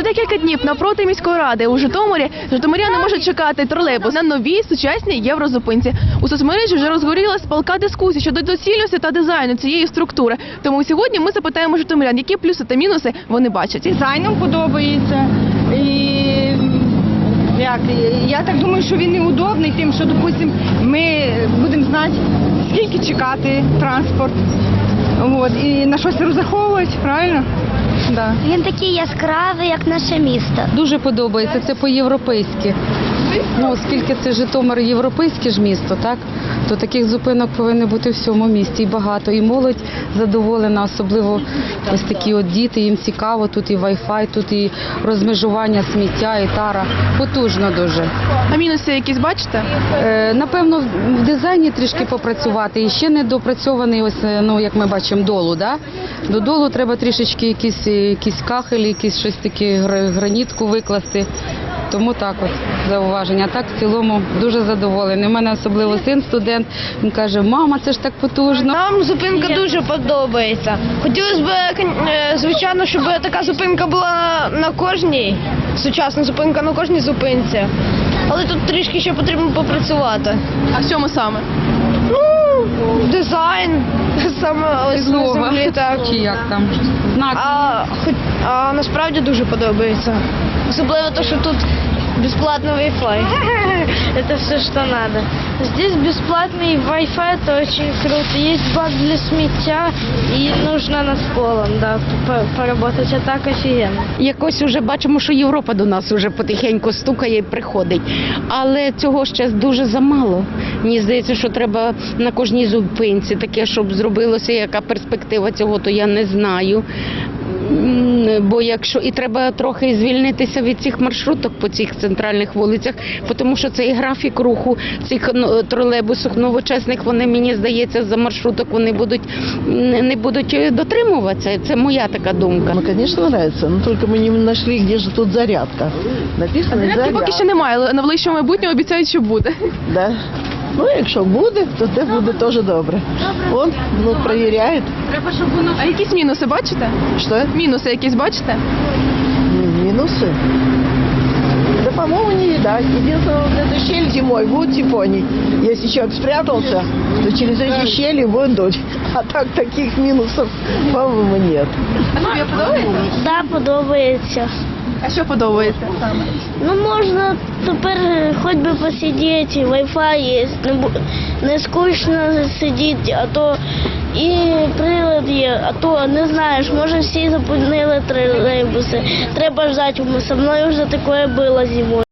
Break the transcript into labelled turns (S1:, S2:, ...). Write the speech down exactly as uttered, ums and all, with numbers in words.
S1: Вже декілька днів навпроти міської ради у Житомирі житомиряни можуть чекати тролейбус на новій сучасній єврозупинці. У соцмережі вже розгорілась палка дискусія щодо доцільності та дизайну цієї структури. Тому сьогодні ми запитаємо житомирян, які плюси та мінуси вони бачать.
S2: Дизайном подобається. І як, я так думаю, що він неудобний тим, що, допустим, ми будемо знати, скільки чекати транспорт. От, і на щось розраховувати, правильно? Да.
S3: Він такий яскравий, як наше місто.
S4: Дуже подобається, це по-європейськи. Ну, оскільки це Житомир європейське ж місто, так, то таких зупинок повинно бути в всьому місті і багато. І молодь задоволена, особливо ось такі от діти, їм цікаво, тут і вай-фай, тут і розмежування сміття, і тара. Потужно дуже.
S1: А мінуси якісь бачите?
S4: Е, напевно, в дизайні трішки попрацювати. І ще не допрацьований, ось, ну, як ми бачимо, долу. Да? До долу треба трішечки якісь, якісь кахелі, якісь щось таке, гранітку викласти. Тому так от зауваження. А так в цілому дуже задоволений. У мене особливо син студент, він каже, мама, це ж так потужно.
S5: Нам зупинка дуже подобається. Хотілося б, звичайно, щоб така зупинка була на кожній, сучасна зупинка на кожній зупинці. Але тут трішки ще потрібно попрацювати.
S1: А в чому саме?
S5: Ну, дизайн, саме ось на землі, так.
S4: Чи як там? Знак.
S5: А, а насправді дуже подобається. Особливо те, що тут бесплатный Wi-Fi. Это все, что надо. Здесь бесплатный Wi-Fi, это очень круто. Есть бак для сміття и нужно над полом, да, поработать, а так офігенно.
S6: Якось вже бачимо, що Європа до нас вже потихеньку стукає і приходить. Але цього ще дуже замало. Мені здається, що треба на кожній зупинці таке, щоб зробилося, яка перспектива цього, то я не знаю. Бо якщо і треба трохи звільнитися від цих маршруток по цих центральних вулицях, тому що цей графік руху цих тролейбусів новочесних, вони, мені здається, за маршруток вони будуть не будуть дотримуватися. Це моя така думка.
S7: Ну, звісно, подобається, але тільки ми не знайшли, де ж тут зарядка. Написано
S1: Зарядки
S7: зарядка.
S1: поки що немає, але на ближчому майбутньому обіцяють, що буде.
S7: Да. Ну, якщо буде, то це буде теж добре. Он, ну, перевіряє.
S1: А якісь мінуси бачите?
S7: Що?
S1: Мінуси якісь бачите?
S7: Минусы? Да, по-моему, не видать. Единственное, вот эта щель зимой будет типоний. Если человек спрятался, то через эти щели будет дуть. А так таких минусов, по-моему, нет.
S1: А тобі подобається?
S3: Да, подобається.
S1: А що подобається саме?
S3: Ну, можна тепер хоч би посидіти, Wi-Fi є, не, бу- не скучно сидіти, а то і прилад є, а то не знаєш, може всі зупинили тролейбуси, треба ждати, со мною вже таке було зимою.